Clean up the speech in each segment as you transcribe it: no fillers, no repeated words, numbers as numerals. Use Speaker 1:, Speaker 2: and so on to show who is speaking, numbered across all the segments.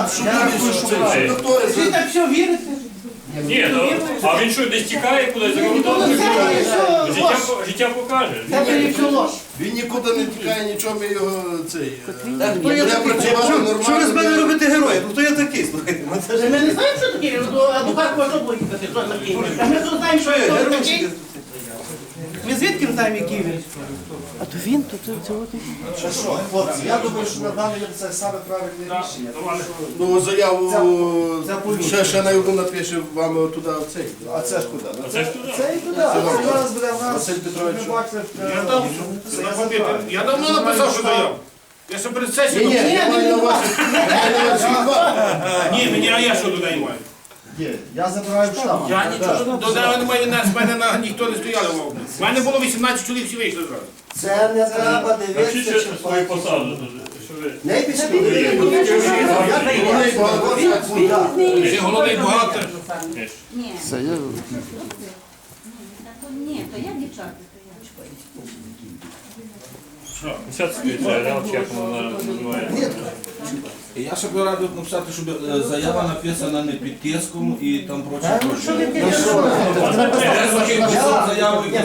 Speaker 1: Ви так все вірите?
Speaker 2: Ні, а він що, десь тікає кудись за кордон? Життя покаже.
Speaker 1: Це все ложь.
Speaker 3: Він нікуди не тікає, нічого ми його цей.
Speaker 4: Хто я такий? Що ви з мене робите героя? Хто я такий? Слухайте,
Speaker 1: Ми не знаємо, що таке, адвокат може поїхати, що таке. А ми тут знаємо, що
Speaker 4: що я
Speaker 1: хто
Speaker 4: герой?
Speaker 1: такий. Ми звідки знаємо, який він?
Speaker 5: А то він, то цього
Speaker 4: Що, хлопці, я думаю, що на даний момент це саме правильне рішення.
Speaker 3: Ну, заяву
Speaker 4: Це поліція.
Speaker 3: ще на яку напише вам туди в цей.
Speaker 4: А це ж куди?
Speaker 2: Це ж туди.
Speaker 4: Це і туди. Це зараз буде в нас.
Speaker 3: Василь Петрович.
Speaker 4: Ви бачите,
Speaker 6: Я давно написав, що заяву. Я ще перед
Speaker 3: Ні,
Speaker 6: сесією.
Speaker 3: ні, я маю на увазі.
Speaker 6: Ні, мені, а я що додаю маю?
Speaker 4: Є. Я забираю в штаб.
Speaker 6: Я нічого додаю немає, в мене ніхто не стояли в області. У мене було 18 чоловік, всі вийшли зразу.
Speaker 4: Це не треба
Speaker 2: Вчіть
Speaker 4: дивитися, чи
Speaker 2: свою посаду. Що ви?
Speaker 4: не пішли.
Speaker 6: Ти головний бухгалтер.
Speaker 7: Ні. Це я... Ні, то я дівчата.
Speaker 2: Сядь собі, як вона називає.
Speaker 8: Я ще б радив написати, щоб заява написана не під тиском і там прочі. Заяву і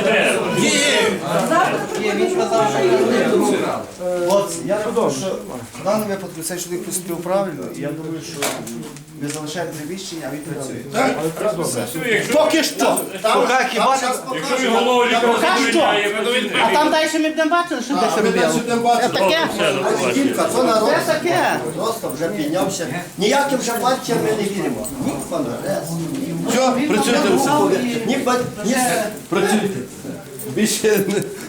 Speaker 4: Хлопці, я думаю, що в даному випадку цей чоловік поступив правильно, і я думаю, що ви залишаєте приміщення, а він працює.
Speaker 1: Поки що.
Speaker 4: Поки хіба не...
Speaker 2: Якщо він голову лікаря задовільняє,
Speaker 1: А там далі ми будемо бачити, що десь робили. Це таке.
Speaker 4: Кілька, то народ
Speaker 1: Це таке.
Speaker 4: просто вже піднявся. Ніяким вже партіям ми не віримо. Ні в Конгрес,
Speaker 3: Все, працюйте.
Speaker 4: ні в...
Speaker 3: Працюйте. Більше